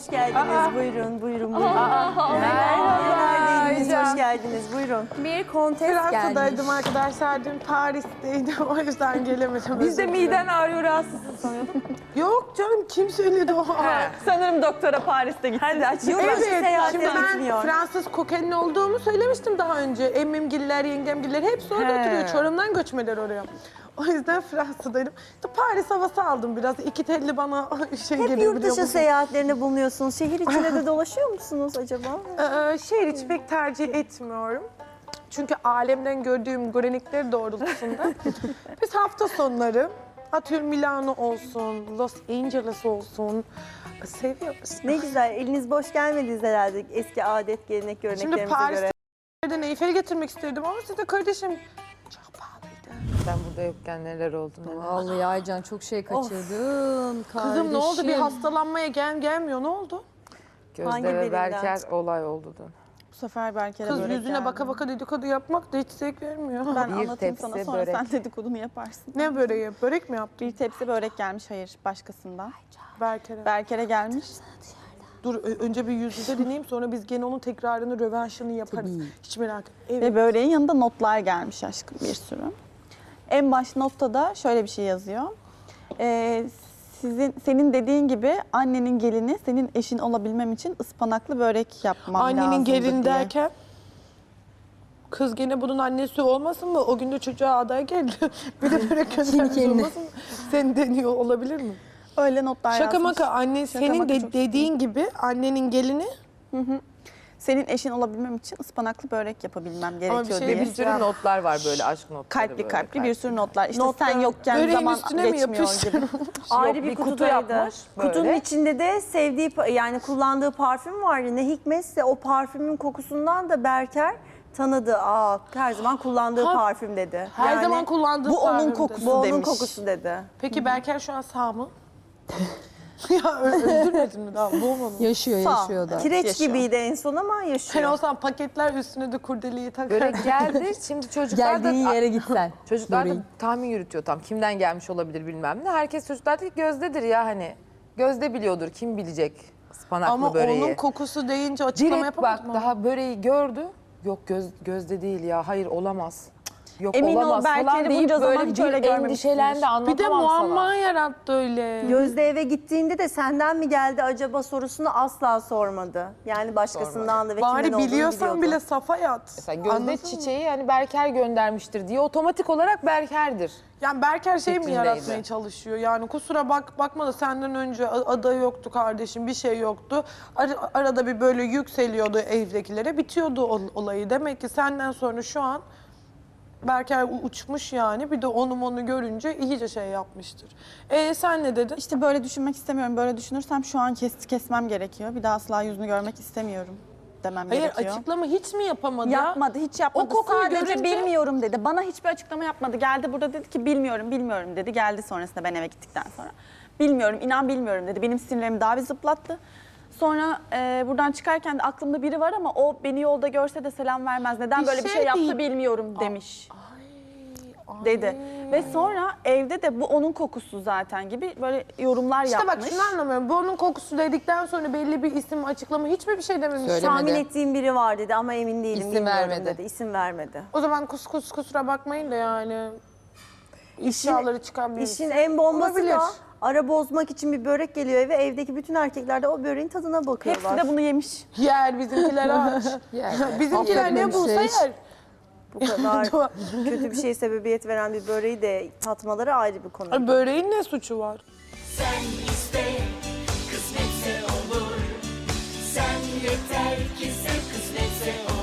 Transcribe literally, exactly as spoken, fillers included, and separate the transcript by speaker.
Speaker 1: hoş geldiniz.
Speaker 2: Aa.
Speaker 1: Buyurun, buyurun, buyurun.
Speaker 2: Aa,
Speaker 1: Nerelerdeydiniz?
Speaker 2: Aycan.
Speaker 1: Hoş geldiniz. Buyurun. Bir kontes gelmiş.
Speaker 3: Fransa'daydım arkadaşlar, dün Paris'teydim, o yüzden gelemedim.
Speaker 2: Biz de
Speaker 3: özür dilerim.
Speaker 2: miden ağrıyor, rahatsızsın sanıyordum.
Speaker 3: Yok canım, kim söyledi o?
Speaker 2: Sanırım doktora Paris'te gitti.
Speaker 1: Hadi aç. Yurt
Speaker 3: Evet,
Speaker 1: dışı seyahatleri
Speaker 3: şimdi ben
Speaker 1: bitmiyor.
Speaker 3: Fransız kokenin olduğumu söylemiştim daha önce. Emmimgiller, yengemgiller hepsi orada
Speaker 2: He.
Speaker 3: oturuyor. Çorum'dan göçmeler oraya. O yüzden Fransa'daydım. İşte Paris havası aldım biraz. İki telli bana şey
Speaker 1: Hep
Speaker 3: geliyor.
Speaker 1: yurt
Speaker 3: biliyor
Speaker 1: dışı
Speaker 3: musun?
Speaker 1: seyahatlerine bulunuyorsunuz. Şehir içinde de dolaşıyor musunuz acaba?
Speaker 3: Ee, şehir içi pek tercih etmiyorum. Çünkü alemden gördüğüm görenekler doğrultusunda biz hafta sonları atıyorum Milano olsun, Los Angeles olsun seviyoruz.
Speaker 1: Ne güzel. Eliniz boş gelmediniz herhalde eski adet, gelenek,
Speaker 3: Şimdi
Speaker 1: göreneklerimize göre.
Speaker 3: Paris'ten Eyfel'i getirmek istedim ama size kardeşim çok pahalıydı.
Speaker 4: Ben burada yokken neler oldu neler.
Speaker 5: Vallahi Aycan çok şey kaçırdın.
Speaker 3: Kızım ne oldu? Bir
Speaker 5: kardeşim.
Speaker 3: hastalanmaya gel gelmiyor. Ne oldu?
Speaker 1: Hangi
Speaker 4: Gözde ve
Speaker 1: birinden?
Speaker 4: Berker olay oldu dün.
Speaker 6: Bu sefer Berker'e
Speaker 3: Kız
Speaker 6: börek
Speaker 3: yüzüne
Speaker 6: geldi.
Speaker 3: baka baka dedikodu yapmak da hiç zevk vermiyor.
Speaker 6: Ben
Speaker 4: Bir
Speaker 6: anlatayım
Speaker 4: tepsi
Speaker 6: sana sonra
Speaker 4: börek.
Speaker 6: sen dedikodunu yaparsın.
Speaker 3: Ne böreği? Börek mi yaptın?
Speaker 6: Bir tepsi börek gelmiş, hayır başkasından.
Speaker 3: Berker'e.
Speaker 6: Berker'e gelmiş.
Speaker 3: Dur ö- önce bir yüz yüze dinleyeyim, sonra biz gene onun tekrarını, rövanşını yaparız. Hiç merak etme. Evet.
Speaker 6: Ve böreğin yanında notlar gelmiş aşkım, bir sürü. En baş notta da şöyle bir şey yazıyor. Ee, sizin senin dediğin gibi annenin gelini senin eşin olabilmem için ıspanaklı börek yapmam lazımdı
Speaker 3: Annenin gelin
Speaker 6: diye.
Speaker 3: derken kız gene bunun annesi olmasın mı? O gün de çocuğa aday geldi. Bir de börek göndermiş olmasın mı? Sen deniyor olabilir mi?
Speaker 6: Öyle notlar
Speaker 3: Şaka
Speaker 6: yazmış.
Speaker 3: maka anne
Speaker 6: Şaka
Speaker 3: senin
Speaker 6: maka
Speaker 3: de
Speaker 6: çok
Speaker 3: dediğin gibi annenin gelini
Speaker 6: Senin eşin olabilmem için ıspanaklı börek yapabilmem gerekiyor
Speaker 3: bir şey
Speaker 6: diye.
Speaker 4: Bir sürü notlar var böyle aşk notları.
Speaker 6: Kalpli
Speaker 4: böyle,
Speaker 6: kalpli bir sürü notlar. İşte
Speaker 1: Notlar,
Speaker 6: sen yokken
Speaker 3: böreğin
Speaker 6: zaman
Speaker 3: üstüne mi
Speaker 6: geçmiyor
Speaker 3: yapıştı?
Speaker 6: gibi.
Speaker 1: Ayrı
Speaker 4: Yok,
Speaker 1: bir,
Speaker 4: bir kutu
Speaker 1: kutudaydı.
Speaker 4: yapmış, böyle.
Speaker 1: Kutunun içinde de sevdiği, pa- yani kullandığı parfüm vardı. Ne hikmetse o parfümün kokusundan da Berker tanıdı. Aa, her zaman kullandığı
Speaker 3: Ha,
Speaker 1: parfüm dedi.
Speaker 3: her
Speaker 1: Yani
Speaker 3: zaman kullandığı
Speaker 6: bu onun
Speaker 3: parfüm
Speaker 6: kokusu.
Speaker 3: dedi.
Speaker 1: bu onun
Speaker 6: demiş.
Speaker 1: kokusu dedi.
Speaker 3: Peki Berker şu an sağ mı? ya ö- öldürmedin mi daha? Boğmadın mı?
Speaker 5: Yaşıyor
Speaker 6: Sağ ol.
Speaker 5: yaşıyor da.
Speaker 1: Kireç
Speaker 6: Yaşıyor.
Speaker 1: gibiydi en son ama
Speaker 3: Sen
Speaker 1: yaşıyor.
Speaker 3: olsan paketler üstüne de kurdeleyi takar.
Speaker 4: Börek geldi. Şimdi çocuklar
Speaker 5: Geldiğin
Speaker 4: da
Speaker 5: yere git sen.
Speaker 4: çocuklar da
Speaker 5: Böreğin.
Speaker 4: tahmin yürütüyor tam. Kimden gelmiş olabilir bilmem ne. Herkes çocuklar da Gözde'dir ya hani. Gözde biliyordur. Kim bilecek ıspanaklı
Speaker 3: Ama
Speaker 4: böreği.
Speaker 3: onun kokusu deyince açıklama
Speaker 4: Direkt
Speaker 3: yapamaz
Speaker 4: bak
Speaker 3: mı?
Speaker 4: daha böreği gördü. Yok göz, Gözde değil ya. Hayır olamaz. Yok
Speaker 6: Emin ol,
Speaker 4: olamaz
Speaker 6: Berker'i
Speaker 4: falan deyip
Speaker 6: bunca zaman
Speaker 4: böyle
Speaker 6: hiç
Speaker 4: bir
Speaker 6: öyle görmemişsindir.
Speaker 4: endişelendi, anlatamam
Speaker 3: Bir de muamma
Speaker 4: sana.
Speaker 3: yarattı öyle.
Speaker 1: Gözde eve gittiğinde de senden mi geldi acaba sorusunu asla sormadı. Yani başkasından da ve kimden
Speaker 3: Bari
Speaker 1: olduğunu
Speaker 3: biliyorsan
Speaker 1: biliyordu.
Speaker 3: bile safa yat.
Speaker 4: Mesela Gözde
Speaker 3: Anladın mı?
Speaker 4: çiçeği hani Berker göndermiştir diye otomatik olarak Berker'dir.
Speaker 3: Yani Berker şey mi
Speaker 4: Fikrindeydi.
Speaker 3: yaratmaya çalışıyor? Yani kusura bak bakma da senden önce a- aday yoktu kardeşim, bir şey yoktu. Ar- arada bir böyle yükseliyordu evdekilere, bitiyordu ol- olayı. Demek ki senden sonra şu an Berker u- uçmuş yani. Bir de onu onu görünce iyice şey yapmıştır. E sen ne dedin?
Speaker 6: İşte böyle düşünmek istemiyorum. Böyle düşünürsem şu an kes, kesmem gerekiyor. Bir daha asla yüzünü görmek istemiyorum demem
Speaker 3: Hayır,
Speaker 6: gerekiyor.
Speaker 3: açıklama hiç mi yapamadı?
Speaker 6: Yapmadı, hiç yapmadı.
Speaker 3: O kokuyu
Speaker 6: Sadece
Speaker 3: görünce-
Speaker 6: bilmiyorum dedi. Bana hiçbir açıklama yapmadı. Geldi burada dedi ki bilmiyorum, bilmiyorum dedi. Geldi sonrasında ben eve gittikten sonra. Bilmiyorum, inan bilmiyorum dedi. Benim sinirlerimi daha bir zıplattı. Sonra e, buradan çıkarken de aklımda biri var ama o beni yolda görse de selam vermez. Neden
Speaker 3: Bir
Speaker 6: böyle bir
Speaker 3: şey
Speaker 6: şey yaptı
Speaker 3: değil.
Speaker 6: bilmiyorum demiş. Dedi. Ve sonra evde de bu onun kokusu zaten gibi böyle yorumlar
Speaker 3: İşte
Speaker 6: yapmış.
Speaker 3: bak şunu anlamıyorum. Bu onun kokusu dedikten sonra belli bir isim açıklama hiç mi bir şey dememiş?
Speaker 5: Söylemedi.
Speaker 1: Tahmin ettiğim biri var dedi ama emin değilim.
Speaker 5: İsim
Speaker 1: bilmiyorum
Speaker 5: vermedi.
Speaker 1: dedi. İsim vermedi.
Speaker 3: O zaman kus kus kusura bakmayın da yani ifşaları çıkan bir
Speaker 1: İşin en bombası
Speaker 3: Olabilir.
Speaker 1: da ara bozmak için bir börek geliyor eve. Evdeki bütün erkekler de o böreğin tadına bakıyorlar.
Speaker 6: Hepsi de bunu yemiş.
Speaker 3: yer bizimkiler aç.
Speaker 5: Yer.
Speaker 3: Bizimkiler ne bulsa
Speaker 5: Affetmemiş
Speaker 3: yer.
Speaker 1: Bu kadar kötü bir şeye sebebiyet veren bir böreği de tatmaları ayrı bir konu.
Speaker 3: Ay, böreğin ne suçu var?
Speaker 7: Sen iste, kısmetse olur. Sen yeter ki sen kısmetse olur.